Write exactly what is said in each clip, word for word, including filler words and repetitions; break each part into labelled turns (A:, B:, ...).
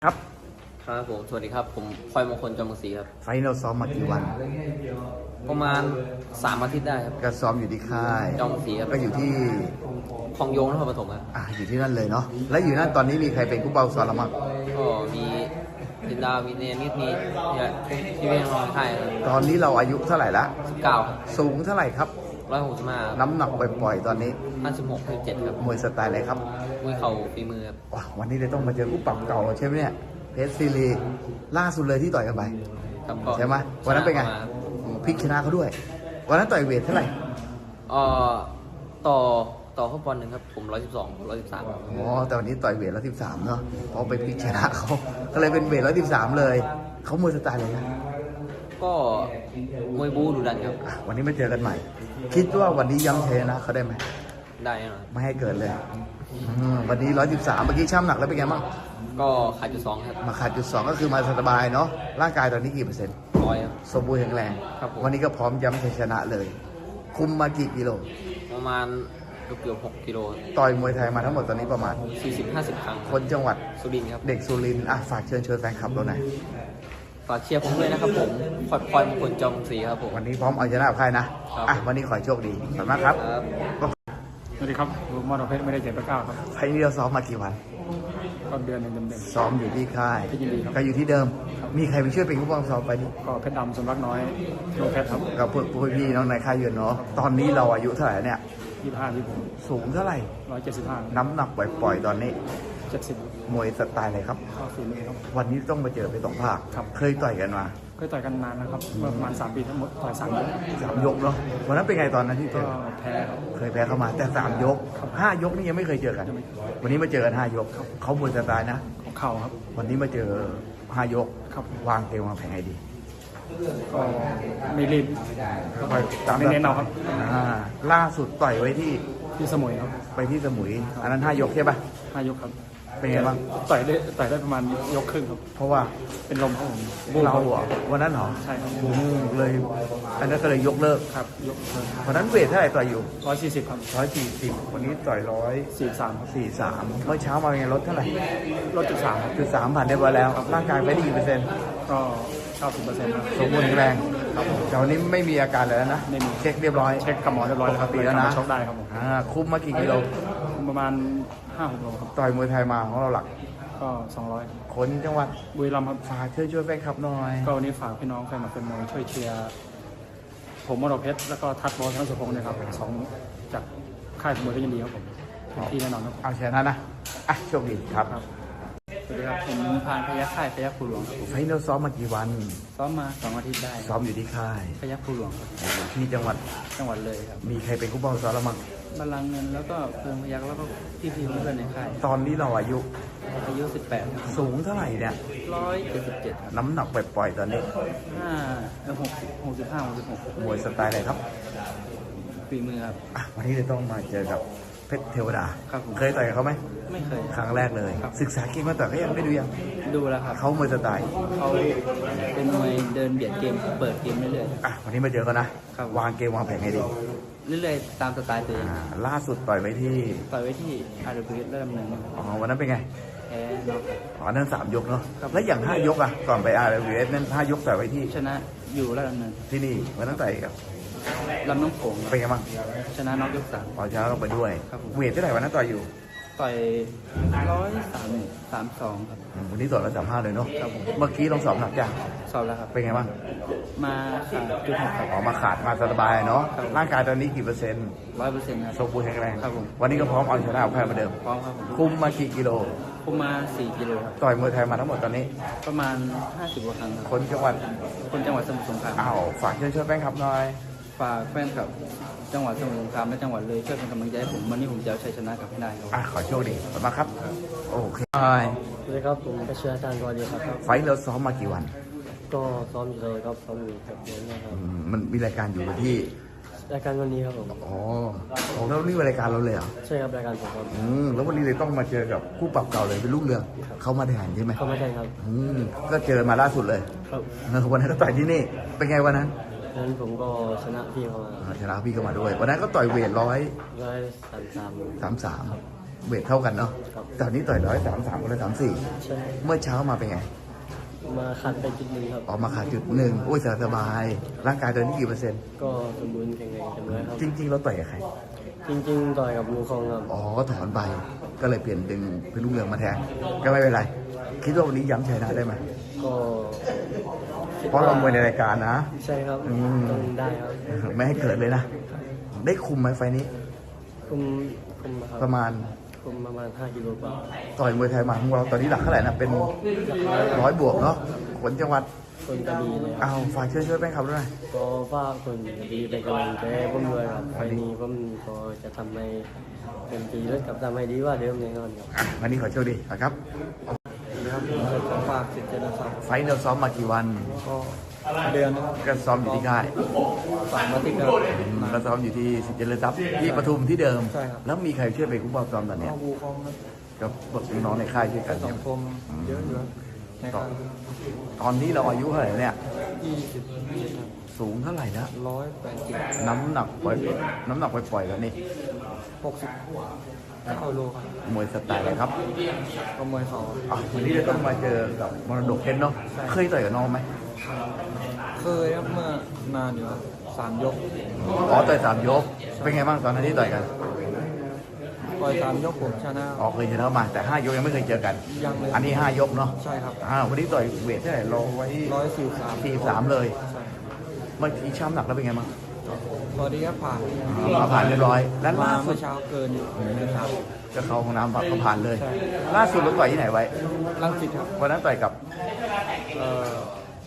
A: ครับ
B: ครับผมสวัสดีครับผมพลอยมงคลจอมศรีครับ
A: ไฟนอลซ้อมมากี่วัน
B: ประมาณสามอาทิตย์ได้ครับ
A: ก็ซ้อมอยู่ที่ค่าย
B: จอมศรีครับ
A: ก็อยู่ที่
B: คลองโยงนครปฐมครับ
A: อ่าอยู่ที่นั่นเลยเนาะแล้วอยู่นั่นตอนนี้มีใครเป็นผู้เบาซ้อมละมั้ง
B: ก็มีดินดาวมีเนมิดมีเนี่ยที่เวียงรอยไข่ครับ
A: ตอนนี้เราอายุเท่าไหร่ละ
B: สิบเก้าครับ
A: สูงเท่าไหร่ครับ
B: ร้อยหกสิบห้า
A: น้ำหนักปล่อยๆตอนนี้
B: ห้าสิบหกสิบเจ็ดครับ
A: มวยสไตล์อะไรครับ
B: มวยเข่าฝีมือครับ
A: ว้าวันนี้เลยต้องมาเจอผู้ปรับเก่าใช่ไหมเนี่ยเพชรซีรีล่าสุดเลยที่ต่อยกันไปใช่ไหมวันนั้นเป็นไงพลิกชนะเขาด้วยวันนั้นต่อยเวทเท่าไหร่
B: เอ่อต่อต่อข้อบอลหนึ่งครับผมร้อยสิบสองร้อยสิบสาม
A: อ๋อแต่วันนี้ต่อยเวทร้อยสิบสามเนาะเพราะไปพลิกชนะเขาก็เลยเป็นเวทร้อยสิบสามเลยเขามวยสไตล์อะไรนะ
B: ก็มวยบูดูดันครับ
A: วันนี้มาเจอกันใหม่คิดว่าวันนี้ย้ำเทนะเขาได้ไหม
B: ได้หน่อย
A: ไม่ให้เกิดเลยวันนี้ร้อยสิบสามเมื่อกี้ช่ำหนักแล้วเป็นไงบ้าง
B: ก็ขาดจุดสองครับ
A: มาขาดจุดสองก็คือมาสบายเนาะร่างกายตอนนี้กี่เปอร์เซ็นต์
B: ร้อยครับ
A: สมบูรณ์แข็งแรงวันนี้ก็พร้อมย้ำชัยชนะเลยคุมมากี่กิโล
B: ประมาณเกือบหกกิโล
A: ต่อยมวยไทยมาทั้งหมดตอนนี้ประมาณ
B: สี่สิบห้าสิบครั้ง
A: คนจังหวัด
B: สุรินทร์ครับ
A: เด็กสุรินทร์อ่ะฝากเชิญชวนแฟนคลับเราหน่อย
B: ฝากเชียร์ผมด้วยนะครับผมพลอยพลอยมงคลจอมศรีครับผม
A: วันนี้พร้อมเอาชนะกับใครนะอ่ะวันนี้ขอโชคดีขอบคุณมากครับ
C: สวัสดีครับมอเตอร์เพชรไม่ได้เจ็บประก้าครับ
A: ไฟนี้เราซ้อมมากี่วัน
C: ก็เดือนหนึ่งเต็ม
A: ๆซ้อมอยู่ที่ค่ายก็อยู่ที่เดิมมีใครไปช่วยเป็นผู้บังซ้อมไปนี่
C: ก็เพชรดำสมรักน้อยโลเพชรครับ
A: กับพวกพี่น้องในค่ายเยือนเนาะตอนนี้เราอายุเท่าไหร่เนี่ย
C: ยี่สิบห้ายี่สิบ
A: สูงเท่าไหร่
C: ร้อยเจ็ดสิบห้า
A: น้ำหนักปล่อยๆตอนนี้
C: เจ็ดสิบ
A: มวยสไตล์อะไรครับ
C: ข้อฝีมือครับ
A: วันนี้ต้องมาเจอไปสองภาคเคยต่อยกันมา
C: เคยต่อยกันนานนะครับประมาณสามปีทั้งหมดต่อยสามยก
A: สามยกเนาะวันนั้นเป็นไงตอนนั้นที่เจอ
C: แพ้
A: เคยแพ้เข้ามาแต่สามยกห้ายกนี่ยังไม่เคยเจอกันวันนี้มาเจอกันห้ายกเขามวยสไตล์นะ
C: ของเข่าครับ
A: วันนี้มาเจอห้ายกวางเกมวางแผนไงดี
C: ก็ไม่รีบ
A: ตาม
C: ไม่เน้นเอาครับ
A: ล่าสุดต่อยไว้ที่
C: ที่สมุยครับ
A: ไปที่สมุยอันนั้นห้ายกใช่ปะ
C: ห้ายกครับ
A: เป็นไงบ้าง
C: ต่อยได้ต่อยได้ประมาณยกครึ่งครับ
A: เพราะว่า
C: เป็นลมครับผม
A: เราเหรอวันนั้นเหรอ
C: ใช่ครับ
A: เลยอันนั้นก็เลยยกเลิก
C: ครับยก
A: วันนั้นเวทเท่าไหร่ต่อยอยู่
C: ร้อยสี่สิบครับ
A: ร้อยสี่สิบวันนี้ต่อยร้อย
C: สี่สามครับ
A: สี่สามเมื่อเช้ามาเป็นไงลดเท่าไหร่
C: ลดจุดสาม
A: จุดสามผ่านได้ไปแล้วร่างกายไปได้กี่เปอร์เซ็นต์
C: ก็เก้าสิบเปอร์เซ็นต์
A: สมบูรณ์แข็งแรงแต่วันนี้ไม่มีอาการเลยนะ
C: ไม่มี
A: เช็คเรียบร้อย
C: เช็คกับหมอเรียบร้อยแล้วครับ
A: ปีแล้วนะ
C: ชกได้ครับผม
A: คุมมากี่กิโล
C: ประมาณห้าหกโลครับ
A: ต่อยมวยไทยมาของเราหลัก
C: ก็สองร้อย
A: คนจังหวัด
C: บุรีรัมย์ครับ
A: ฝากช่วยช่วยแฟนคลับหน่อย
C: ก็วันนี้ฝากพี่น้องแฟนคลับเป็นมวยช่วยเชียร์ผมมรดกเพชรแล้วก็ทัดบอลทั้งสุพงศ์นะครับสองจากค่ายมวยก็ยินดีครับผมที่แน่นอนครับ
A: เอาชนะนะอ่ะโชคดีครับ
B: สวัสดีครับผมพานพยัคฆ์ค่ายพยัคฆ์ภูหลวง
A: ไฟนอลซ้อมมากี่วัน
B: ซ้อมมาสองอาทิตย์ได้
A: ซ้อมอยู่ที่ค่าย
B: พยัคฆ์ภูหลวง
A: ที่จังหวัด
B: จังหวัดเลยครับ
A: มีใครเป็นผู้บังคับซ้อมแล้วมั้ง
B: บาลังเงินแล้วก็เพื่อนพยัคฆ์แล้วก็พี่พี่เพื่อนในค่าย
A: ตอนนี้เราอายุ
B: อายุสิบแปด
A: สูงเท่าไหร่เนี่ย
B: ร้อยเจ็ดสิบเจ็ด
A: น้ำหนักปล่อยๆตอนนี้
B: ห้าหกสิบหกสิบห้าหกสิบหก
A: มวยสไตล์อะไรครับ
B: ฝีมือครับ
A: วันนี้จะต้องมาเจอกับเพชรเทวดาเคยต่อยกับเขาไหม
B: ไม่เคย
A: ครั้งแรกเลยศึกษาเกมมาต่อยเขายังไม่ดูยัง
B: ดูแล้วครับ
A: เขามวยสไตล์
B: เขาเป็นมวยเดินเบียดเกมเปิดเกมเรื่อย
A: ๆอ่ะวันนี้มาเจอกันนะวางเกมวางแผนไงดี
B: เรื่อยๆตามสไตล์ตัวเอง
A: ล่าสุดต่อยไว้ที่
B: ต่อยไว้ที่อาร์เดบิวต์เริ่มหนึ่ง
A: อ๋อวันนั้นเป็นไง
B: แพ้เนาะ
A: อ๋อนั่นสามยกเนาะแล้วอย่างห้ายกอ่ะก่อนไปอาร์เดบิวต์นั่นห้ายกต่อยไว้ที่
B: ชนะอยู่ระดับหนึ่ง
A: ที่นี่วันนั้นต่อยกับ
B: ลำน้ำโขง
A: เป็นไงบ้าง
B: ชนะน็อกยกสาม
A: อ๋อชนะลงไปด้วยเวทเท่าไหร่วันนั้นต่อยอยู่
B: ต่อยร้อยสามสามสองครับ
A: วันนี้ต่อยร้อยสามห้าเลยเนาะเมื่อกี้ลองสอบหนักยัง
B: สอบแล้วครับ
A: เป็นไงบ้าง
B: มาขาดจุดหกครับ
A: ออกมาขาดมาสบายเนาะร่างกายตอนนี้กี่เปอร์เซ็นต์
B: ร้อยเปอร์เซ็นต์ครับ
A: สมบูรณ์แข็งแรง
B: ครับผม
A: วันนี้ก็พร้อมเอาชนะเอาแพ้เหมือนเดิม
B: พร้อมครับ
A: คุมมากี่กิโล
B: คุมมาสี่กิโลครับ
A: ต่อยมวยไทยมาทั้งหมดตอนนี้
B: ประมาณห้าสิบกว่าครั้ง
A: คนจังหวัด
B: คนจังหวัดสมุทรสงคราม
A: อ้าวฝากเชิญชวนแฟนคลับหน่อย
B: ฝากแฟนคลับจังหวัดสมุทรสงครามและจังหวัดเลยช่วยเป็นกำลังใจให้ผมวันนี้ผมจะเอาชัยชนะกลับให้ได้ครับ
A: อ่ะขอโชคดีขอบคุณมากครับโอเค
B: สวัสดีครับผมก็เชื่ออาจารย์กอดีครับ
A: ไฟเราซ้อมมากี่วัน
B: ก็ซ้อมอยู่เลยครับซ้อมอยู่กับเดือนนะครับ
A: มันมีรายการอยู่ที่
B: รายการวันนี้ครับผม
A: อ๋อของเรานี่รายการเราเลยเหรอ
B: ใช่ครับรายการผมครับ
A: อืมแล้ววันนี้เลยต้องมาเจอกับคู่ปรับเก่าเลยเป็นลูกเรือเขามาแทนใช่ไหม
B: เขามาแทนครับ
A: อืมก็เจอมาล่าสุดเลย
B: ครับ
A: วันนั้นก็ต่อยที่นี่เป็นไงวันนั้น
B: นั้นผมก็ชนะพี่เขามา
A: ชนะพี่เข้ามาด้วยวันนั้นก็ต่อยเวทร้อย
B: ร้อยสามสาม
A: สามสามเวทเท่ากันเนาะ
C: ครับ
A: ตอนนี้ต่อยร้อยสามสามกับร้อยสามสี่
C: ใช่
A: เมื่อเช้ามาเป็นไง
C: มาขัดไปจุดหนึ่งครับ
A: ออกมาขาดจุดหนึ่งโอ้ยสบายๆร่างกายตอนนี้กี่เปอร์เซ็นต์
C: ก็สมบูรณ์แข็งแรงเต็มร้อยครับ
A: จริง ๆ เราต่อยกับใคร
C: จริงๆต่อยกับลูคองครับ
A: อ๋อก็ถอนไปก็เลยเปลี่ยนดึงเป็นลูกเรืองมาแทนก็ไม่เป็นไร คิดว่าวันนี้ย้ำชัยนะได้ไหม
C: ก็คิด
A: เพราะเรามวยในรายการนะ
C: ใช่ครับ
A: อืม
C: ต้องได้ครับ
A: ไม่ให้เกิดเลยนะ ได้คุมไหมไฟล์นี้
C: คุมคุมนะครับ
A: ประมาณ
C: คุมประมาณห้ากิโลกว่า
A: ต่อยมวยไทยมาของเราตอนนี้หลักเท่าไหร่นะเป็นร้อยบวกเนาะขนจังหวัด
C: คนกระดีเลยครับ
A: เอาฝากเชิญช่วยแป้งขับด้วย
C: ก็ฝากคนกระดีเป็นกำลังใจให้ผมด้วยครับไฟล์นี้ผมก็จะทำให้เต็มที่และกับทำให้ดีกว่าเดิมแน่นอนครับ
A: อ่ะวันนี้ขอโชคดีนะครับ
C: ครับขอฝากสิทธิ์เจริญทรัพย์
A: ไฟล์เราซ้อมมากี่วัน
C: ก็เดือนนะครับ
A: ก็ซ้อมอยู่ที่ค่าย
C: ฝากมาติดกับ
A: ก็ซ้อมอยู่ที่สิทธิ์เจริญทรัพย์ที่ปทุมที่เดิม
C: ใช่ครับ
A: แล้วมีใครช่วยไปคุ้มครองซ้อมตอนเนี้ย
C: ข้อบูคองครับ
A: ก็บอกน้องๆในค่ายช่วยกัน
C: สั
A: เนี่ย
C: งคมเยอะอยู่ครับในการ
A: ตอนนี้เราอายุเท่าไหร่เนี่ย
C: ยี่สิบยี่สิบ
A: สูงเท่าไหร่แล้ว
C: ร้อยแปดสิบ
A: น้ำหนักปล่อยน้ำหนักปล่อยๆแล้วนี่
C: หกสิบเข้าโลครับ
A: มวยสไตล์อะไรครับ
C: ก็มวยเขา
A: อ่ะวันนี้เราต้องมาเจอกับมรดกเพชรเนาะเคยต่อยกับน้องไหม
C: เคยครับเมื่อนานอยู่ครับสามยก
A: อ๋อต่อยสามยกเป็นไงบ้างตอนนั้นที่ต่อยกัน
C: ต่อยสามยกผมชนะ
A: อ๋อเคยชนะมาแต่ห้ายกยังไม่เคยเจอกัน
C: ยังเลย
A: อันนี้ห้ายกเนาะ
C: ใช่ครับ
A: อ่าวันนี้ต่อยเวทเท่าไหร่รอไว้
C: ร้อยสี่สาม
A: สี่สามเลย
C: ใช่
A: เมื่อกี้ช้ำหนักแล้วเป็นไงบ้าง
C: ตอนนี้ก็ผ่าน
A: อ่าผ่านเรียบร้อย แล้ว
C: มา
A: ล่าสุ
C: เมื่
A: ด
C: อเช้าเกินอยู่เกินครับ
A: จะเข้าห้องน้ำก็ผ่านเลย
C: ใช่
A: ล่าสุดเราต่อยที่ไหนไว้
C: ลังสิตครับ
A: วันนั้นต่อยกับ
C: เอ่อ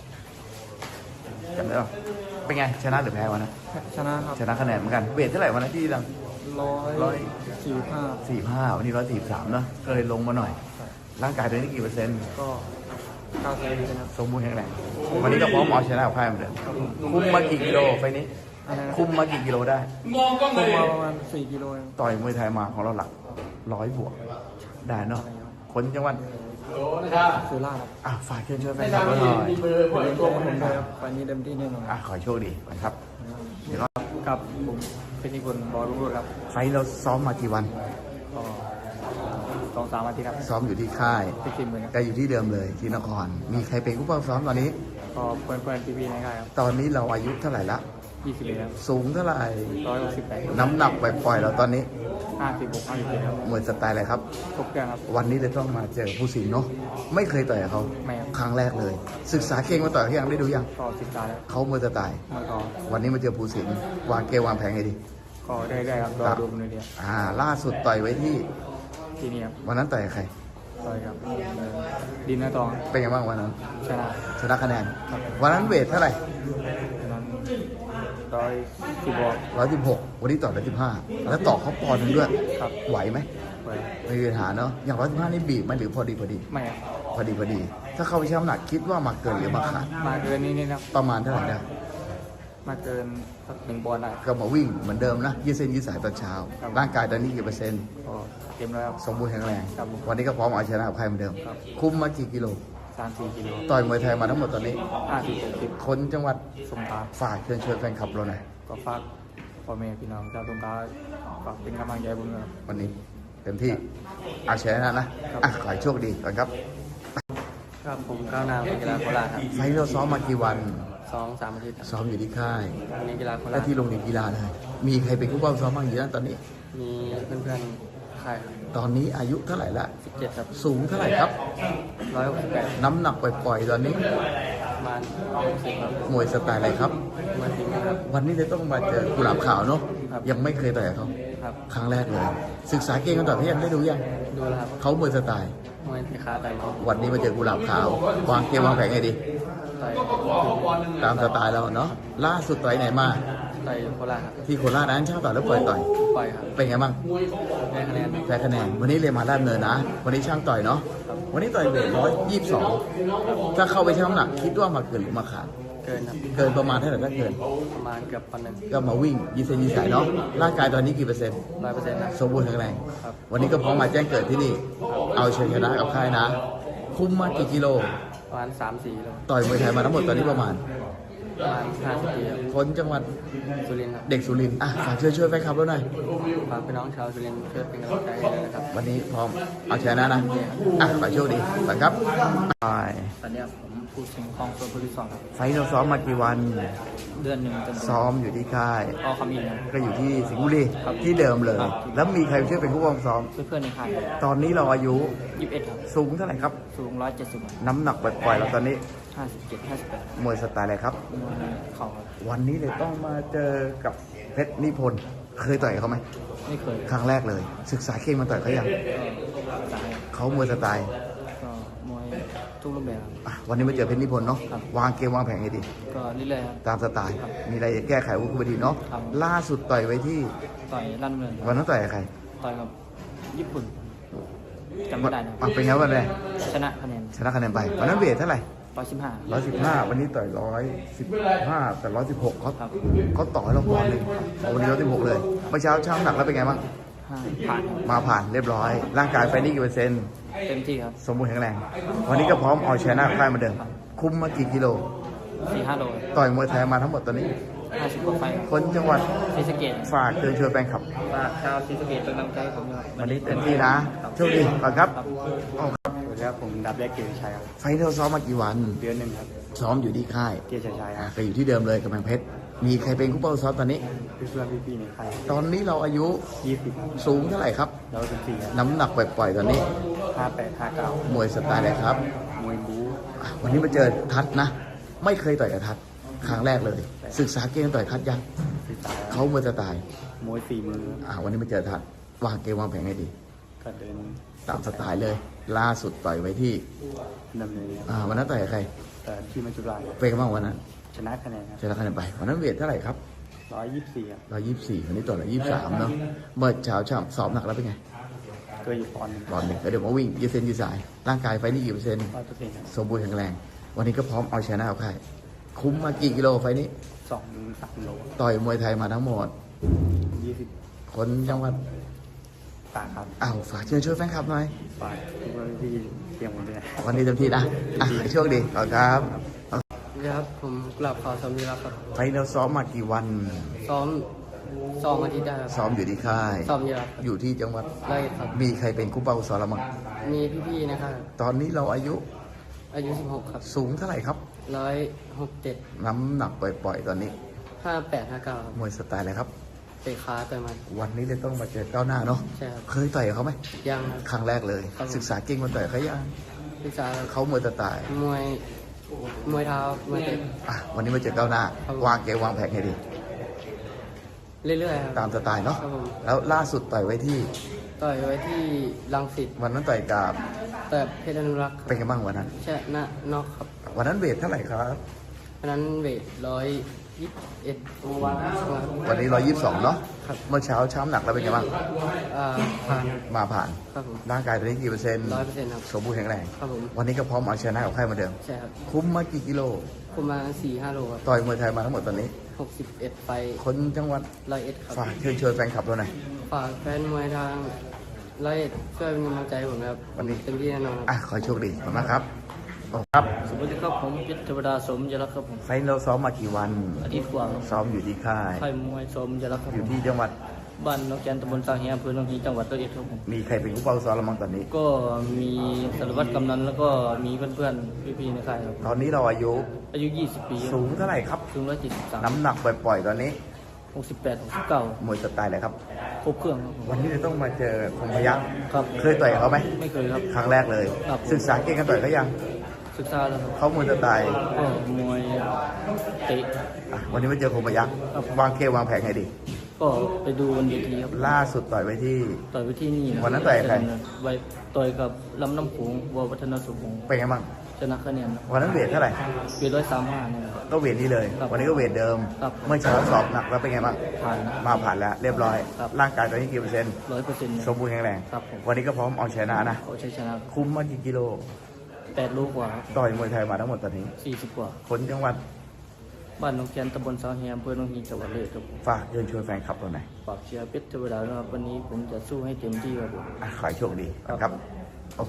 A: จำได้ป่ะเป็นไงชนะหรือแพ้วันนั้น
C: ชนะครับ
A: ชนะคะแนนเหมือนกันเวทเท่าไหร่วันนั้นที่ดัง
C: ร้อย
A: ร้อย
C: สี่ห้า
A: สี่ห้าวันนี้ร้อยสี่สามเนาะก็เลยลงมาหน่อย ร่างกายตอนนี้กี่เปอร์เซ็นต์
C: ก็เก้าสิบนะครับ
A: สมบูรณ์แข็งแรงวันนี้ก็พร้อมเอาชนะกับค่ายเหมือนเดิมคุมมากี่กิโลไฟล์นี้
C: อันนั้น
A: คุมมากี่กิโลได้
C: คุมมาประมาณสี่กิโลเอง
A: ต่อยมวยไทยมาของเราหลักร้อยบวกได้เนาะคนจังหวัด
C: สุราษฎร์ครับ
A: อ่ะฝากเชิญช่วยแฟนคลับเราหน่อย
C: เป็นเรื่องของผมด้วยครับไฟล์นี้เต็มที่แน่นอน
A: อ่ะขอให้โชคดีนะครับเดี๋ยวเรา
C: ครับผมเป็นนิพนธ์บอยรุ่งโรจน์ครับ
A: ไฟล์เราซ้อมมากี่วัน
C: ก็สองสามอาทิตย์ครับ
A: ซ้อมอยู่ที่ค่าย
C: ที่ทีมเหมือนกัน
A: ก็อยู่ที่เดิมเลยที่นคร มีใครเป็นผู้ป้องซ้อมตอนนี้
C: ก็เพื่อนเพื่อนพี่ๆในค่ายครับ
A: ตอนนี้เราอายุเท่าไหร่ละ
C: ยี่สิบเอ็ดครับ
A: สูงเท่าไหร่
C: ร้อยหกสิบแปด
A: น้ำหนักปล่อยๆเราตอนนี้
C: ห้าสิบหกห้าสิบเจ็ดครับ
A: มวยสไตล์อะไรครับ
C: ทุกอย่างครับ
A: วันนี้เลยต้องมาเจอผู้สิงห์เนาะไม่เคยต่อยกับเขา
C: ไม่ครับ
A: ครั้งแรกเลย ศึกษาเก่งมาต่อยเขายังได้ดูยัง
C: ก็ศึกษาแล้ว
A: เขามวยสไตล์
C: มันก็
A: วันนี้มาเจอผู้สิงห์วางเกมวางแผนไงดี
C: ก็ได้ได้ครับรอดูบนเวที
A: อ่า ล่าสุดต่อยไว้ที่
C: ที่นี่ครับ
A: วันนั้นต่อยกับใคร
C: ต่อยกับดินนาตอง
A: เป็นไงบ้างวันนั้น
C: ชนะ
A: ชนะคะแนน วันนั้นเวทเท่าไหร่
C: ฉะนั้นร้อยสิบวก
A: ร้อยสิบหกวันนี้ต่อร้อยสิบห้าแล้วต่อเขาปอนด์หนึงด้วย
C: ครับ
A: ไหวไหม
C: ไป
A: ไม่มีปัญหาเนาะอย่างร้อยสิบห้านี่บีบไหมหรือพอดีพอดี
C: ไม่ครับ
A: พอดีพอดี ถ้าเข้าไปชั่งน้ำหนักคิดว่ามาเกินหรือมาขาด
C: มาเกินนี้นี่นะครับ
A: ประมาณเท่าไหร่ได้
C: มาเกินสักหนึ่งบอลได้
A: ก็มาวิ่งเหมือนเดิมนะยืดเส้นยืดสายตอนเช้า
C: ครับ
A: ร่างกายตอนนี้กี่เปอร์เซ็นต์
C: ก็เต็มแล้วครับ
A: สมบูรณ์แข็งแรง
C: ครับผม
A: วันนี้ก็พร้อมเอาชนะกับใครเหมือนเดิม
C: ครับ
A: คุมมากี่กิโล
C: สามสี่กิโล
A: ต่อยมวยไทยมาทั้งหมดตอนนี้
C: ห้าสิบหกสิบ
A: คนจังหวัด
C: สงขลา
A: ฝากเชิญชวนแฟนคลับเราหน่อย
C: ก็ฝากพ่อแม่พี่น้องชาวสงขลาฝากเป็นกำลังใจผมด้วยครับ
A: วันนี้เต็มที่เอาชนะนะอ่ะขอให้โชคดีก่อนครับ
C: ครับผมก้าวหน้าเป็นกีฬาโคราชครับ
A: ไฟล์เราซ้อมมากี่วัน
C: สองสามอาทิตย์ครับ
A: ซ้อมอยู่ที่ค่าย
C: วันนี้กีฬาโครา
A: และ
C: ช
A: ที่โรงเรียนกีฬาเลย มีใครเป็นผู้ป้องซ้อมบ้างอยู่นั่นตอนนี้
C: มีเพื่อนๆค่าย
A: ตอนนี้อายุเท่าไหร่ละ
C: สิบเจ็ดครับ
A: สูงเท่าไหร่ครับ
C: ร้อยหกสิบแปด
A: น้ำหนักปล่อยๆตอนนี้
C: ประมาณหกสิบครับ
A: มวยสไตล์อะไรครับ
C: มาทิ้งนะครับ
A: วันนี้เลยต้องมาเจอกุหลาบขาวเนาะ
C: ครับ
A: ยังไม่เคยต่อยกับเขา
C: ครับ
A: ครั้งแรกเลย ศึกษาเก่งกันต่อพี่ยังได้ดูยัง
C: ดูแล้วครับ
A: เขามวยสไตล์
C: มวยที่ขาไต่เขา
A: วันนี้มาเจอกุหลาบขาว วางเกมวางแผนไงดี
C: ไต่
A: ตามสไตล์เราเนาะ ล่าสุดต่อยไหนมา
C: ไต่โคราชครับ
A: ที่โคราชนั้นเช่าต่อยแล้วปล่อยต่อย
C: ปล่อยครับ
A: เป็นไงบ้าง
C: ได้คะแนน
A: แพ้คะแนน วันนี้เรียนมาด้านเนินนะ วันนี้ช่างต่อยเนาะ วันนี้ต่อยเวทร้อยยี่สิบสองถ้าเข้าไปชั่งน้ำหนักคิดว่ามาเกินหรือมาขาด
C: เกินครับ
A: เกินประมาณเท่าไหร่ถ้าเกิน
C: ประมาณเกือบพันหนึ่ง
A: ก็มาวิ่งยีเซนยีสายเนาะ ร่างกายตอนนี้กี่เปอร์เซ็นต์
C: ร้อยเปอร์เซ็นต์ครับ
A: สมบูรณ์แข็งแรง
C: ครับ
A: วันนี้ก็พร้อมมาแจ้งเกิดที่นี่ เอาชัยชนะกับค่ายนะ คุ้มมากี่กิโล
C: ประมาณสามสี่โล
A: ต่อยมวยไทยมาทั้งหมดตอนนี้ประมาณ
B: ประมาณห้าสิบปีครับ
A: คนจังหวัด
B: สุรินทร์ครับ
A: เด็กสุรินทร์อ่ะฝากช่วยช่วยแฟนคลับเราหน่อย
B: ฝากพี่น้องชาวสุรินทร์ช่วยเป็นกำลังใจให้ด้วยนะครับ
A: วันนี้พร้อมเอาชนะนะอ่ะขอโชคดีไปครับไป
B: ตอนนี้ผมพูดถึงคลองตัวผู้ที่สองครับ
A: ไฟท์เราซ้อมมากี่วัน
B: เดือนหนึ่งเต็มๆ
A: ซ้อมอยู่ที่ค่าย
B: พอคำอินครับ
A: ก็อยู่ที่สิงห์บุรี
B: ครับ
A: ที่เดิมเลย
B: ครับ
A: แล้วมีใครช่วยเป็นผู้ปกครองซ้อม
B: เพื่อนๆในค่าย
A: ตอนนี้เราอายุ
B: ยี่สิบเอ็ดครับ
A: สูงเท่าไหร่ครับ
B: สูงร้อยเจ็ดสิบ
A: น้ำหนักปล่อยๆเราตอนนี้
B: ห้าสิบเจ็ดห้าสิบแปด
A: มวยสไตล์อะไรครับ
B: เข่าครับ
A: วันนี้เลยต้องมาเจอกับเพชรนิพนธ์เคยต่อยกับเขาไหม
B: ไม่เคย
A: ครั้งแรกเลย ศึกษาเก่งมาต่อยเขายัง
B: ก็สาย
A: เขามวยสไตล์
B: ก็มวยทุกรูปแบบครับ
A: อ่ะวันนี้มาเจอเพชรนิพนธ์เนาะ
B: ครับ
A: วางเกมวางแผนให้ดี
B: ก็เรื่อยๆครับ
A: ตามสไตล์ มีอะไรจะแก้ไขวุฒิบดีเนาะ
B: ครับ
A: ล่าสุดต่อยไว้ที่
B: ต่อยลั่นเมือง
A: วันนั้นต่อยกับใคร
B: ต่อยกับญี่ปุ่นจำไม่ได้นะ
A: อ่ะเป็นไงวันแรก
B: ชนะคะแนน
A: ชนะคะแนนไปวันนั้นเวทเท่าไหร่
B: ร้อยสิบห้า
A: ร้อยสิบห้าวันนี้ต่อยร้อยสิบห้าแต่ร้อยสิบหกเขา
B: ครับ
A: เขาต่อยเราปอนด์หนึ่งเอาวันนี้ร้อยสิบหกเลยเมื่อเช้าช่างหนักแล้วเป็นไงบ้าง
B: ห้าผ่านครับ
A: มาผ่านเรียบร้อย ร่างกายไฟนี่กี่เปอร์เซ็นต์
B: เต็มที่ครับ
A: สมบูรณ์แข็งแรง วันนี้ก็พร้อมเอาชนะค่ายเหมาเดิม คุมมากี่กิโล
B: สี่ห้าโล
A: ต่อยมวยไทยมาทั้งหมดตอนนี้
B: ห้าสิบกว่าไฟครับ
A: คนจังหวัด
B: ศรีสะเกษ
A: ฝากเชิญชวนแฟนคลับ
B: ฝากชาวศรีสะเกษเป็นกำลังใจให้ผมด้วย
A: วันนี้เต็มที่นะโชคดีก่อนครับอ๋อครับ
C: สวัสดีครับผมดับแรกเกียรติชัยครับ
A: ไฟท์เราซ้อมมากี่วัน
C: เดือนหนึ่งครับ
A: ซ้อมอยู่ที่ค่าย
C: เกียรติชัยค
A: อ่ะ
C: รับ
A: ก็อยู่ที่เดิมเลยกับแมงเพชร มีใครเป็นคู่เป้าซ้อมตอนนี้
C: เพื่อนๆพี่ๆในค่าย
A: ตอนนี้เราอายุ
C: ยี่สิบ
A: สูงเท่าไหร่ครับ
C: เราเป็นสี่ครับ
A: น้ำหนักปล่อยๆตอนนี้
C: ห้าแปดห้าเก้าม
A: วยสไตล์อะไรครับ
C: มวยบู๊
A: อ่ะวันนี้มาเจอทัศน์นะ ไม่เคยต่อยกับทัศน์ครั้งแรกเลย ศึกษาเกมต่อยทัศน์ยัง
C: สีตา
A: เขามวยสไตล์
C: มวยสี่มือ
A: อ่ะวันนี้มาเจอทัศน์วางเกมวางแผนให้ดี
C: ก็เดิน
A: ตามสไตล์เลย ล่าสุดต่อยไว้ที่
C: ดำเนิน
A: อ่าวันนั้นต่อยกับใคร
C: แต่ที่มัจจุราช
A: เป็นกันบ้างวันนั้น
C: ชนะคะแนนครับ
A: ชนะคะแนนไป วันนั้นเวทเท่าไหร่ครับ
C: ร้อยยี่สิบสี่ครับ
A: ร้อยยี่สิบสี่วันนี้ต่อยร้อยยี่สิบสามเนาะ เมื่อเช้าช่ำสอบหนักแล้วเป็นไง
C: เคยอยู่ปอนด์หนึ่ง
A: ตอนหนึ่งแล้วเดี๋ยวมาวิ่งยืดเส้นยืดสาย ร่างกายไฟนี่กี่เปอร์เซ็นต์
C: ร้อยเปอร์เซ็นต์ครับ
A: สมบูรณ์แข็งแรง วันนี้ก็พร้อมเอาชนะเอาใครคุ้มมากี่กิโลไฟนี้
C: สองถึงสามโล
A: ต่อยมวยไทยมาทั้งหมด
C: ยี่สิบ
A: คนจังหวัด
C: ตากครับ
A: อ้าวฝากเชิญช่วยแฟนคลับหน่อย
C: ฝากทุกคนที่เตรียมหมดเลย
A: วันนี้เต็มที่นะ อ่ะให้โชคดีขอบคุณครับ
B: ครับผมกลับขอสามีรักครับ
A: ไฟเราซ้อมมากี่วัน
B: ซ้อมซ้อมอาทิตย์ได้ครับ
A: ซ้อมอยู่ที่ค่าย
B: ซ้อมเยอะครับ
A: อยู่ที่จังหวัด
B: ไล่ครับ
A: มีใครเป็นคู่เป้าซ้อมเรามั้ง
B: มีพี่ๆนะครับ
A: ตอนนี้เราอายุ
B: อายุสิบหกครับ
A: สูงเท่าไหร่ครับ
B: ร้อยหกเจ็ด
A: น้ำหนักปล่อยๆ ตอนนี้
B: ห้าแปดห้าเก้าครับ
A: มวยสไตล์อะไรครับ
B: เตะขาต่อยมัน
A: วันนี้เลยต้องมาเจอก้าวหน้าเนาะ
B: ใช่ครับ
A: เคยต่อยกับเขาไหม
B: ยังครับ
A: ครั้งแรกเลย
B: ครับผม
A: ศึกษาเก่งมันต่อยกับเขายัง
B: ศึกษา
A: เขามวยสไตล์
B: มวยมวยเท้ามวยเตะ
A: อ่ะวันนี้มาเจอก้าวหน้า
B: ครับผม
A: วางเกมวางแผนให้ดี
B: เรื่อยๆครับ
A: ตามสไตล์เนาะ
B: ครับผม
A: แล้วล่าสุดต่อยไว้ที่
B: ต่อยไว้ที่รังสิต
A: วันนั้นต่อยกับ
B: แต่เพชรอนุรักษ์ค
A: เป็น
B: รับ
A: ไงบ้างวันนั้น
B: ชนะนอกครับ
A: วันนั้นเวทเท่าไหร่ครับ
B: เพราะนั้นเวทร้อยยี่สิบเอ็ดวันครับ
A: วันนี้ร้อยยี่สิบสองเนาะ
B: ครับ
A: เมื่อเช้าช้ำหนักแล้วเป็นไงบ้าง
B: อ่าผ่าน
A: มาผ่าน
B: ครับผม
A: ร่างกายตอนนี้กี่เปอร์เซ็นต์
B: ร้อยเปอร์เซ็นต์ครับ
A: สมบูรณ์แข็งแรง
B: ครับผม
A: วันนี้ก็พร้อมเอาชนะกับใครเหมาเดิม
B: ใช่ครับ
A: คุ้มมากี่กิโล
B: ประมาณสี่ห้าโลครับ
A: ต่อยมวยไทยมาทั้งหมดตอนนี้
B: หกสิบเอ็ดไฟ
A: คนจังหวัด
B: ร้อยเอ็ดครับ
A: ฝากเชิญชวนแฟนคลับเราหน่อย
B: ฝากแฟนมวยทางร้อยเอ็ดช่วยเป็นกำลังใจให้ผมนะครับ
A: วันนี้
B: เต็มที่แน่นอนครับ
A: อ่ะขอให้โชคดีขอบคุณมากครับขอบคุณครับ
B: สวัสดีครับผมพิทวดาสมยรักครับผม
A: ไฟล์เราซ้อมมากี่วัน
B: อาทิตย์กว่าครับ
A: ซ้อมอยู่ที่ค่าย
B: ค่ายมวยสมยรักครับ
A: อ
B: ผ
A: ยู่
B: ม
A: ที่จังหวัด
B: บ้านนกแกนตำบลสร้างเฮียอำเภอหนองฮีจังหวัดร้อยเอ็ดครับผม
A: มีใครเป็นผู้เป้าซ้อมเราบ้างตอนนี้
B: ก็มีสารวัตรกำนันแล้วก็มีเพื่อนๆพี่ๆในค่ายครับ
A: ตอนนี้เราอายุ
B: อายุยี่สิบปีครับ
A: สูงเท่าไหร่ครับ
B: สูงร้อยเจ็ดสิบสาม
A: น้ำหนักปล่อยๆ ตอนนี้
B: หกสิบแปดหกสิบเก้าม
A: วยสไตล์อะไรครับ
B: ครบเครื่องครับผม
A: วันนี้เราต้องมาเจอคงพยัก
B: ครับ
A: เคยต่อยกับเขาไหม
B: ไม่เคยครับ
A: ครั้งแรกเลย
B: ครับ
A: ศึกษาเก่งกันต่อยเขายัง
B: ศึกษาแล้วครับ
A: เขามวยสไตล์
B: ก็มวยเตะ
A: อ่ะวันนี้มาเจอคงพยัก
B: ครับ
A: วางเกมวางแผนให้ดี
B: ก็ไปดูบนเวทีครับ
A: ล่าสุดต่อยไว้ที่
B: ต่อยไปที่นี่ะ
A: วันนั้นต่อยกับใคร
B: ไว้ต่อยกับลำน้ำโขงวัววัฒนสุขงศ์
A: เป็นไงบ้าง
B: ชนะคะแนนครับ
A: วันนั้นเวทเท่าไหร่
B: เวทร้อยสามห้าเนี่ยครับ
A: ก็เวทนี้เลย
B: ครับ
A: วันนี้ก็เวทเดิม
B: ครับ
A: เมื่อเช้าสอบหนักแล้วเป็นไงบ้าง
B: ผ่านนะ
A: มาผ่านแล้วเรียบร้อย
B: ครับ
A: ร่างกายตอนนี้กี่เปอร์เซ็นต์
B: ร้อยเปอร์เซ็นต์
A: สมบูรณ์แข็งแรง
B: ครับผม
A: วันนี้ก็พร้อมเอาชนะนะ
B: เขาใช้ชนะ
A: คุ้มมากี่กิโล
B: แปดลูกกว่าครับ
A: ต่อยมวยไทยมาทั้งหมดตอนนี้
B: สี่สิบกว่า
A: คนจังหวัด
B: บ้านหนองแกนตำบลสาวแฮมอำเภอหนองฮีจังหวัดเลยครับผม
A: ฝากเชิญชวนแฟนคลับเราหน่อย
B: ฝากเชียร์เพชรเทวดานะครับวันนี้ผมจะสู้ให้เต็มที่ครับผม
A: อ่ะขอให้โชคดีครับโอเค
B: ครับ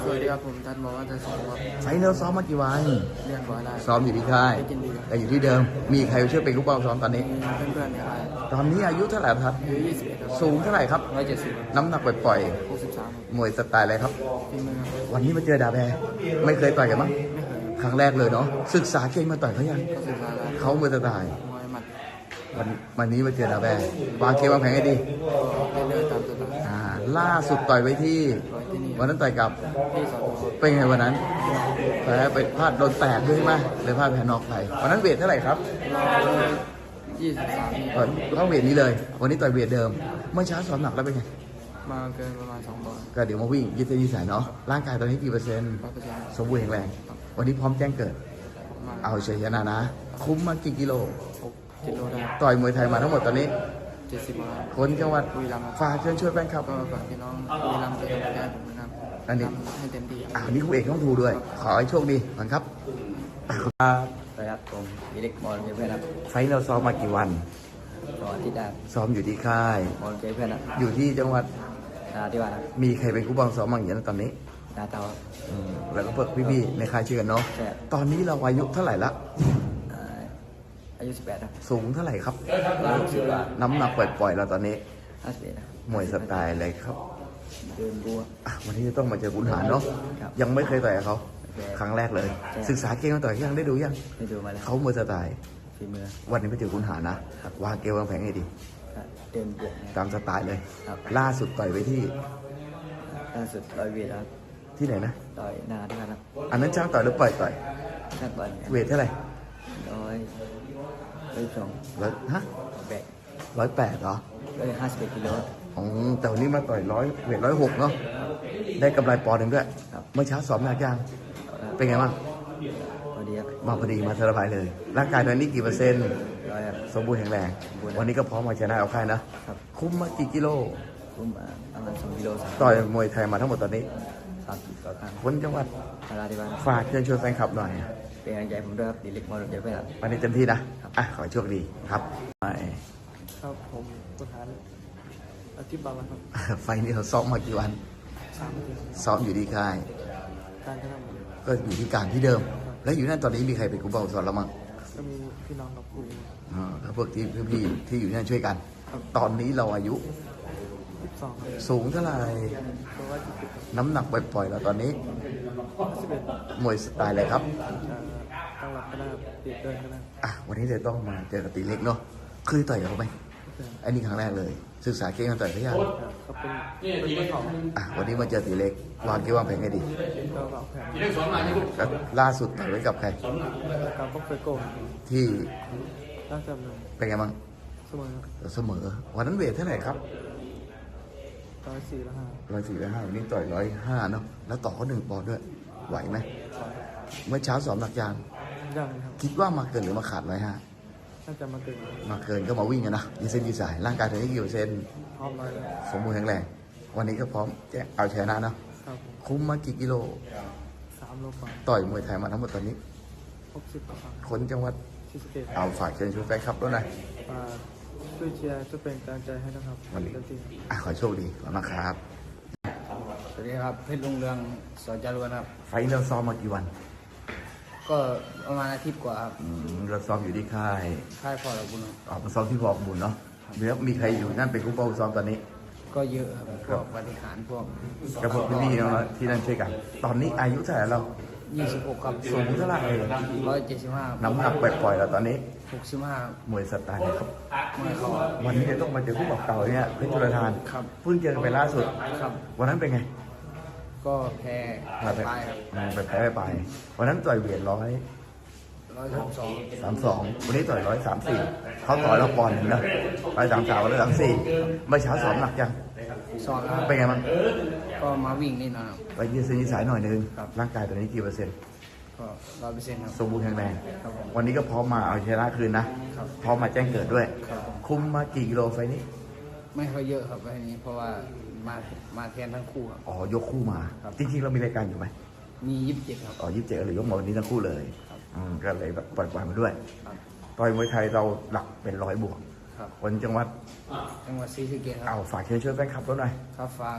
B: สวัสดีครับผมทันบอกว่าจะสอนครับ
A: ไฟล์เราซ้อมมากี่วัน
B: เรียนบ่อยได้
A: ซ้อมอยู่ที่ค่าย
B: ได้กินดีครับ
A: แต่อยู่ที่เดิม มีใครช่วยเป็นลูกบอลซ้อมตอนนี้
B: มีเพื่อนๆในค่าย
A: ตอนนี้อายุเท่าไหร่ครับ
B: อายุยี่สิบเอ็ดครับ
A: สูงเท่าไหร่ครับ
B: ร้อยเจ็ดสิบ
A: น้ำหนักปล่อย
B: หกสิบสาม
A: ๆมวยสไตล์อะไรครับ
B: ฝีมือครับ
A: วันนี้มาเจอดาแบร์ไม่เคยต่อยกันมั้ง
B: ไม่เคย
A: ครั้งแรกเลยเนาะ ศึกษาเก่งมาต่อยเขายัง
B: ก็ศึกษาแล้ว
A: เขามวยสไตล์
B: มวยหมัด
A: วันวันนี้มาเจอดาแบร์วางเกมวางแผนให้ดี
B: ก็เรื่อยๆตามสไตล์
A: อ่า ล่าสุดต่อยไว้ที่
B: ร้อยที่นี่
A: วันนั้นต่อยกับ
B: ที่สอน
A: เป็นไงวันนั้นแพ้ไปพลาดโดนแตกด้วยใช่ไหมเลยพลาดแพ้นอกไปวันนั้นเวทเท่าไหร่ครับ
B: เรายี่สิบสามนี่
A: เออเข้าเวทนี้เลย วันนี้ต่อยเวทเดิม เมื่อเช้าสอบหนักแล้วเป็นไง
B: มาเกินประมาณสองบอล
A: ก็เดี๋ยวมาวิ่งยืดเส้นยืดสายเนาะ ร่างกายตอนนี้กี่เปอร์เซ็นต์
B: ร้อยเปอร์เซ็นต์
A: สมบูรณ์แข็งแรง วันนี้พร้อมแจ้งเกิด
B: มา
A: เอาเฉยชนะนะ คุ้มมากี่กิโล
B: หกกิโลได้
A: ต่อยมวยไทยมาทั้งหมดตอนนี้
B: เจ็ดสิบมา
A: คนจังหวัด
B: บุรีรัมย์ครับ
A: ฝากเชิญช่วยแฟนคลับ
B: ก็ฝากพี่น้องบุรีรัมย์เป็นกำลังใจให้ผมนะครับ
A: อันนี้
B: ทำให้เต็มที่ครับ
A: อ่านี่คู่เอกต้องทูด้วย ขอให้โชคดีก่อนครับ
B: สวัสดีครับผมวิเล็กมอลเจเพื่อนครับ
A: ไฟท์เราซ้อมมากี่วัน
B: สอนที่ดา
A: ซ้อมอยู่ที่ค่าย
B: มอลเจเพื่อนครับ
A: อยู่ที่จังหวัด
B: นาที่บ้านครับ
A: มีใครเป็นคู่บังซ้อมบ้างอย่างนี้ตอนนี้
B: นาเตาครับ
A: อืมแล้วก็เพื่อพี่ๆในค่ายชื่อกันเนาะ
B: ใช่ครับ
A: ตอนนี้เราอายุเท่าไหร่ละ
B: อ่าอายุสิบแปดครับ
A: สูงเท่าไหร่ครับ
B: อายุสิบกว่า
A: น้ำหนักปล่อยๆเราตอนนี้
B: ห้าสิบเอ็ดครับ
A: มวยสไตล์อะไรครับ
B: เดินบัว
A: อ่ะวันนี้จะต้องมาเจอขุนหารเนาะ
B: ครับ
A: ยังไม่เคยต่อยกับเขา
B: ไม่เคย
A: ครั้งแรกเลย
B: ใช่
A: ศึกษาเกมมาต่อยยังได้ดูยัง
B: ได้ดูมาแล้ว
A: เขามวยสไตล์
B: ฝีมือ
A: วันนี้ไปเจอขุนหารนะ วางเกมวางแผนให้ดี
B: ครับเดินบวกนะค
A: ตา
B: รับ
A: มสไตล์เลย
B: ครับ
A: ล่าสุดต่อยไว้ที่
B: ล่าสุดร้อยเวทครับ
A: ที่ไหนนะ
B: ต่อยนาที่บ้านครับ
A: อันนั้นช่างต่อยหรือปล่อยต่อย
B: นักบอลเนี่ย
A: เวทเท่าไหร่
B: ร้อยร้อยสอง
A: ร้อยฮะ
B: แบก
A: ร้อยแปดเหรอ
B: ร้อยห้าสิบเอ็ดกิโล
A: อ๋อแต่วันนี้มาต่อยร้อยเวทร้อยหกเนาะ ได้กำไรปอนด์หนึ่งด้วย
B: ครับ
A: เมื่อเช้าสอบหนักยัง เป็นไงบ้าง
B: พอดีครับ
A: มาพอดีมาเทอร์ไพเลย ร่างกายตอนนี้กี่เปอร์เซ็นต์
B: ร้อยครับ
A: สมบูรณ์แข็งแรง
B: สมบูรณ์
A: วันนี้ก็พร้อมมาชนะเอาค่ายนะ
B: ครับ
A: คุ้มมากี่กิโล
B: ผมมาประมาณสองกิโลสาม
A: ต่อยมวยไทยมาทั้งหมดตอนนี้
B: สามสิบต่อครั้ง
A: คนจังหวัด
B: นาที่บ้านครับ
A: ฝากเชิญชวนแฟนคลับหน่อย
B: เป็นกำลังใจผมด้วยครับดิเล็กมอลเจเพื่อนครับ
A: วันนี้เต็มที่นะ อ่ะ ขอให้โชคดีครับไป
C: ครับผมประธานอาทิตย์บางวันครับ
A: ไฟล์นี้เราซ้อมมากี่วัน
C: สามปี
A: ซ้อมอยู่ที่ค่าย
C: การทำ
A: ก็อยู่ที่การที่เดิม แล้วอยู่นั่นตอนนี้มีใครเป็นครูบาสอนเรามั้ง
C: ก็มีพี่น้องกับครู
A: อ่าแล้วพวกที่พี่ๆที่อยู่นั่นช่วยกัน ตอนนี้เราอายุ
C: สิบสอง
A: สูงเท่าไหร่
C: เพราะว่าสิบเอ็ด
A: น้ำหนักปล่อยๆเราตอนนี้
C: สิบเอ็ด
A: มวยสไตล์อะไรครับ
C: ตั้งหลักก็ได้เปลี่ยนเดินก็ได้
A: อ่ะ วันนี้จะต้องมาเจอกับตีเล็กเนาะเคยต่อยกับเขาไหมอันนี้ครั้งแรกเลย ศึกษาเก่งกันต่อยเขายัง
C: ก็เป็นเป็นเจ้าของ
A: อ่ะ วันนี้มาเจอตีเล็ก วางเกมวางแผนให้ดี
C: ก็วางแผน
A: ก็ล่าสุดต่อยไว้กับใคร
C: การพบเฟโก้
A: ที่
C: ตั้งจำเลย
A: เป็นไงบ้าง
C: เสมอ
A: เสมอ วันนั้นเวทเท่าไหร่ครับ
C: ร้อยสี่แล้วห้า
A: ร้อยสี่ร้อยห้าวันนี้ต่อยร้อยห้าเนาะ แล้วต่อเขาหนึ่งปอนด์ด้วย ไหวไหม เมื่อเช้าสอบหนักยาง
C: ยังครับ
A: คิดว่ามาเกินหรือมาขาดร้อยห้า
C: น่าจะมาเกิน
A: มาเกินก็มาวิ่งกันนะยืดเส้นยืดสาย ร่างกายตอนนี้กี่เปอร์เซ็นต์
C: พร้อมร้อยแล้ว
A: สมบูรณ์แข็งแรง วันนี้ก็พร้อมแจ้งเอาชนะเนาะ
C: ครับ
A: คุ้มมากี่กิโล
C: สามโลกว่า
A: ต่อยมวยไทยมาทั้งหมดตอนนี้
C: หกสิบกว่าครั้ง
A: คนจังหวัด
C: ที่สเกต
A: เอาฝากเชิญชวนแฟนคลับด้วยหน่อย
C: มาช่วยเชียร์ช่วยเป็นกำลังใจให้นะครับ
A: วันนี้
C: เต็มที่
A: อ่ะขอให้โชคดีขอบคุณนะครับ
B: สวัสดีครับเพชรลุงเรืองสอนจารวนครับ
A: ไฟท์เราซ้อมมากี่วัน
B: ก็ประมาณอาทิตย์กว่าครับ
A: อืมเราซ้อมอยู่ที่ค่าย
B: ค่ายพ่อเราบุญครับ
A: ออกมาซ้อมที่บอกบุญเนาะแล้วมีใครอยู่นั่นเป็นคู่เป้าซ้อมตอนนี้
B: ก็เยอะครับพวกปฏิหารพวก
A: กับพวกพี่ๆน้องๆที่นั่นช่วยกัน ตอนนี้อายุเท่าไหร่เรา
B: ยี่สิบหกครับ
A: สูงเท่าไหร่
B: ร้อยเจ็ดสิบห้า
A: น้ำหนักปล่อยๆเราตอนนี้
B: หกสิบห้าม
A: วยสไตล์นะครับ
B: ไม่เข้า
A: วันนี้จะต้องมาเจอคู่บอกเก่าเนี่ยเพชรจุลธาน
B: ครับ
A: เพิ่งเจอกันไปล่าสุด
B: ครับ
A: วันนั้นเป็นไง
B: ก็แพ้
A: พลาด
B: ไปครับ
A: อืมไปแพ้ไปไปวันนั้นต่อยเวทร้อย
B: ร้อยสามสอง
A: สามสองวันนี้ต่อยร้อยสามสี่เขาต่อยเราปอนด์หนึ่งนะร้อยสามสามวันละสามสี่เมื่อเช้าสอบหนักยัง
B: สองครับ
A: เป็นไงบ้าง
B: ก็มาวิ่งนิดหน่อยครับ
A: ไปยืดเส้นยืดสายหน่อยนึง
B: ครับ
A: ร่างกายตอนนี้กี่เปอร์เซ็นต์
B: ก็ร้อยเปอร์เซ็นต์ครับ
A: สมบูรณ์แข็งแรง
B: ครับผม
A: วันนี้ก็พร้อมมาเอาชนะคืนนะ
B: ครับ
A: พร้อมมาแจ้งเกิดด้วย
B: ครับผม
A: คุมมากี่กิโลไฟล์นี้
B: ไม่ค่อยเยอะครับไอ้นี้เพราะว่ามามาแทนทั้งคู่ครับ
A: อ๋อยกคู่มา
B: ครับ
A: จริงๆเรามีรายการอยู่ไหม
B: มียี่สิบเจ็ดครับ
A: อ๋อยี่สิบเจ็ดหรือยกมาวันนี้ทั้งคู่เลย
B: ครับ
A: อืมก็เลยแบบปล่อยๆมาด้วย
B: ครับ
A: ต่อยมวยไทยเราหลักเป็นร้อยบวก
B: ครับ
A: คนจังหวัด
B: จังหวัดศรีสะเกษค
A: เอา
B: รับ
A: ฝากเชิญช่วยแฟนคลับเราหน่อย
B: ครับฝาก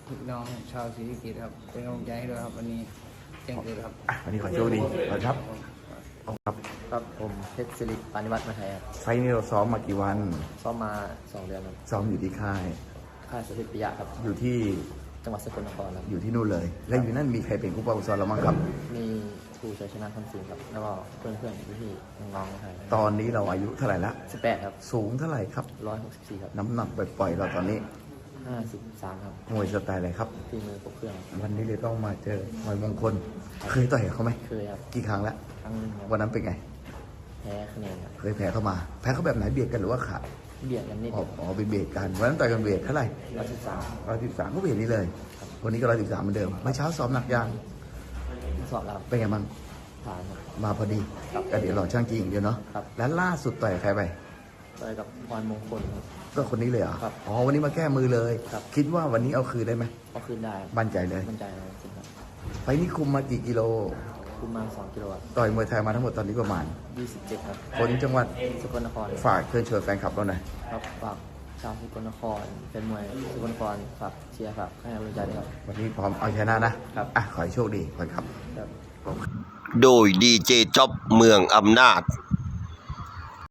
B: พี่น้องชาวศรีสะเกษครับเป็นกำลังใจให้ด้วยครับวันนี้แจ้งเกิดครับ
A: อ่ะวันนี้ขอโชคดีขอบคุณครับขอบคุณครับ
D: ครับผมเพชรสิริปานิวัฒน์มาไทยครับ
A: ไฟล์นี้เราซ้อมมากี่วัน
D: ซ้อมมาสองเดือนครับ
A: ซ้อมอยู่ที่ค่าย
D: ค่ายสถิตปิยะครับ
A: อยู่ที่
D: จังหวัดสกลนครครับ
A: อยู่ที่นู่นเลย และอยู่นั่นมีใครเป็นผู้ปกครองเราบ้างครับ
D: มีครูชัยชนะคำสิงครับ แล้วก็เพื่อนเพื่อนๆพี่ๆน้องๆมาไทย
A: ตอนนี้เราอายุเท่าไหร่ละ
D: สิบแปดครับ
A: สูงเท่าไหร่ครับ
D: ร้อยหกสิบสี่ครับ
A: น้ำหนักปล่อยๆเราตอนนี้
D: ห้าสิบสามครับ
A: มวยสไตล์อะไรครับ
D: ฝีมือครบเครื่อง
A: วันนี้เลยต้องมาเจอมวยมงคล เคยต่อยกับเขาไหม
D: เคยครับ
A: กี่ครั้งแล้ว
D: ครั้งหนึงครับ
A: วันนั้นเป็นไง
D: แพ้คะแนนครับ
A: เคยแพ้เข้ามา แพ้เขาแบบไหนเบียดกันหรือว่าขาด
D: เบียดกันนิด
A: อ๋อ
D: เดียว
A: อ๋อเป็นเบียดกัน วันนั้นต่อยกันเบียดเท่าไหร่
D: ร้อยสิบสาม
A: ร้อยสิบสามก็เบียดนี้เลย วันนี้ก็ร้อยสิบสามเหมือนเดิมเมื่อเช้าซ้อมหนักยาง
D: สอบแล้ว
A: เป็นไงบ้าง
D: ผ่านครับ
A: มาพอดีก็เดี๋ยวรอช่างจริงอย่างเดียวเนาะ
D: ครับ
A: แล้วล่าสุดต่อยกับใครไป
D: ไปกับพรมงคลครับ
A: ก็คนนี้เลยเหรอ
D: ครับ
A: อ๋อ วันนี้มาแก้มือเลย
D: ครับ
A: คิดว่าวันนี้เอาคืนได้ไหม
D: ก็ขึ้นได้ครับ
A: มั่นใจเลย
D: มั่นใจเลยจริงครับ
A: ไฟล์นี้คุมมากี่กิโล
D: คุมมาสองกิโลครับ
A: ต่อยมวยไทยมาทั้งหมดตอนนี้ประมาณ
D: ยี่สิบเจ็ดครับ
A: คนจังหวัด
D: สกลนคร
A: ฝากเชิญชวนแฟนคลับเราหน่อย
D: ครับฝากชาวสกลนครเป็นมวยสกลนครฝากเชียร์ฝากให้กำลังใจด้วยครับ
A: วันนี้พร้อมเอาชนะนะ
D: ครับ
A: อ่ะ ขอให้โชคดีขอบคุณครับ
D: ครับ
E: โดยดีเจจ็อบเมืองอำนาจ